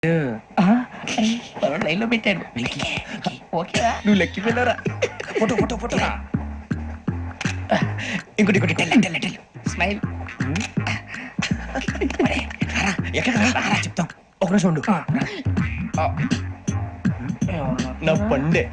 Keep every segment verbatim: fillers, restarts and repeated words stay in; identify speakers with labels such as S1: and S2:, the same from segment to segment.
S1: లైన్లో పెట్టాడు. ఓకేరా, నువ్వు లెక్కి వెళ్ళరా. ఫోటో ఫోటో ఫోటో ఇంకోటి ఇంకోటి టెల్ టెల్ టెల్ స్మైల్. ఎక్కడ రా చెప్తాం. ఒక నిమిషం ఉండు. నా పండే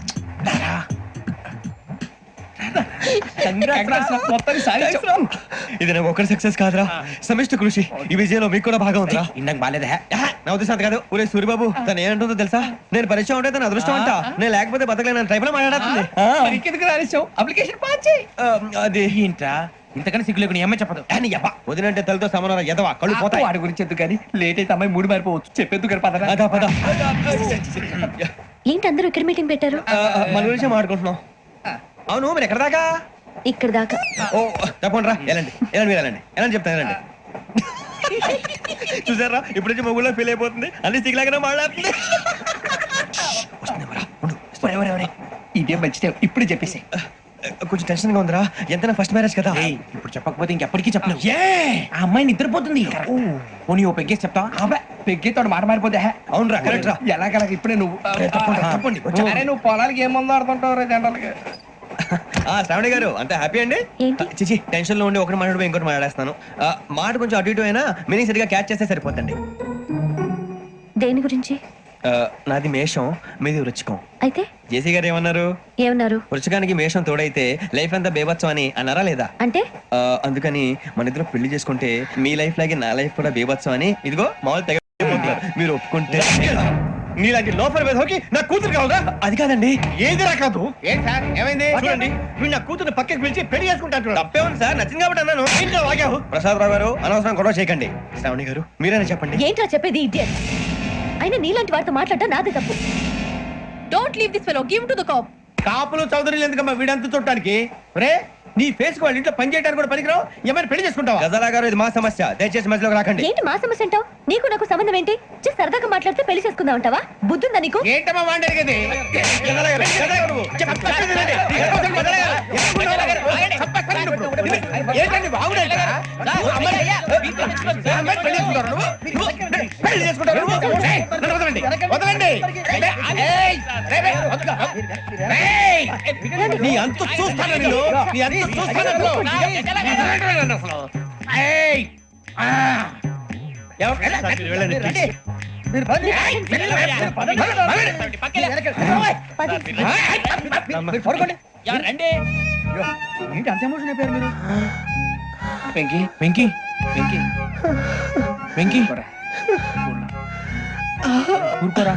S1: ఇది నాకు ఒక్కరి సక్సెస్ కాదురా, సమిష్టి కృషి. ఈ విజయంలో మీకు కూడా భాగం ఉందిరా. ఇందాక బాగాలేదా? నా ఉద్దేశం అంత కాదు. ఊరే సూర్యబాబు తను ఏమంటుందో తెలుసా? నేను పరిచయం ఉంటే తన అదృష్టం అంట, నేను లేకపోతే బతకలేను ట్రైబ్ లో మాట్లాడుతుంది. అప్లికేషన్ పాస్ చేయి. అది ఏంట్రా ఇంతకన్నా సిగ్గు లేకుండా ఏమై చెప్పదు. వదినంటే తలతో సమానం ఎదవా, కళ్ళు పోతాయి. వాడి గురించి ఎందుకు కానీ లేట్ అయితే అమ్మాయి మూడు మారిపోవచ్చు. చెప్పేందుకు గారు పద పద.
S2: ఏంటి అందరూ ఇక్కడ మీటింగ్ పెట్టారు?
S1: మన గురించి మాట్లాడుకుంటున్నాం. అవును మీరు ఎక్కడ దాకా?
S2: ఇక్కడ దాకా.
S1: ఓ తప్పకుండా రా, వెళ్ళండి వెళ్ళండి మీరు వెళ్ళండి వెళ్ళండి చెప్తాను వెళ్ళండి. చూసారా ఇప్పుడు నుంచి మొగుల్లో ఫీల్ అయిపోతుంది, అన్ని సిగ్లాగానే మాట్లాడుతుంది. ఇదే మంచి ఇప్పుడు చెప్పేసి. కొంచెం టెన్షన్ గా ఉందిరా, ఎంతైనా ఫస్ట్ మ్యారేజ్ కదా. ఇప్పుడు చెప్పకపోతే ఇంకెప్పటికీ చెప్పను. ఆ అమ్మాయి నిద్రపోతుంది. పోనీ ఓ పెగ్గేసి చెప్తా. పెగ్గేతో మాట మారిపోతే. అవును రా, కరెక్ట్ రా. ఎలాగలా ఇప్పుడే నువ్వు చెప్పండి. అరే నువ్వు పొలాలకి ఏముందో ఆడుతుంటావు రా జనరల్గా. శ్రావణి గారు అంత హ్యాపీ అండి? చిచి టెన్షన్ లో ఉండి ఒకటి మాట్లాడిపోయి ఇంకోటి మాట్లాడేస్తాను. మాట కొంచెం అటు ఇటు అయినా మీనింగ్ సరిగా క్యాచ్ చేస్తే సరిపోతండి.
S2: దేని గురించి?
S1: నాది మేషం, మీది వృచ్చికం.
S2: అయితే
S1: జేసీ గారు ఏమన్నారు?
S2: ఏమన్నారు?
S1: వృచ్చికానికి మేషం తోడైతే లైఫ్ అంతా బేబత్సం అని అన్నారా లేదా?
S2: అంటే
S1: అందుకని మన ఇద్దరు పెళ్లి చేసుకుంటే మీ లైఫ్ లాగే నా లైఫ్ కూడా బేబత్సం అని. ఇదిగో మామూలు తెగ మీరు ఒప్పుకుంటే. నీలాంటి లోపల వేదోకి నా కూతురు కావదా? అది కాదండి. ఏది రా కాదు. ఏం సార్ ఏమైంది? చూడండి వీడు నా కూతురు పక్కకి పిలిచి పెళ్లి చేసుకుంటాడు. తప్పే ఉంది సార్, నచ్చింది కాబట్టి అన్నాను. ఇంట్లో వాగావు. ప్రసాద్ రావు గారు అనవసరం గొడవ చేయకండి. శ్రావణి గారు మీరైనా చెప్పండి.
S2: ఏంట్రా చెప్పేది? ఇడియట్. అయినా నీలాంటి వారితో మాట్లాడటం నాదే తప్పు. Don't leave this fellow, give to the cop.
S1: కాపులు చౌదరులు ఎందుకమ్మా వీడంతా చూడటానికి? రే నీ ఫేస్ వాళ్ళ ఇంట్లో పని చేయడానికి కూడా పనికిరావు. ఏమైనా పెళ్లి చేసుకుంటావా? గజాలా గారు ఇది మా సమస్య, దయచేసి మధ్యలోకి రాకండి.
S2: ఏంటి మా సమస్య అంటావు? నీకు నాకు సంబంధం ఏంటి? జస్ట్ సరదాగా మాట్లాడితే పెళ్లి చేసుకుందాం అంటావా? బుద్ధుందా నీకు?
S1: ఏంటమ్మా మాట్లాడేది? నీ అంత చూస్తాను నేను, నీ అంత చూస్తాను. ఏంటి అంత ఎమోషన్ అయిపోయారు మీరు? వెంకీ వెంకీ వెంకీ వెంకీ ఊరుకోరా.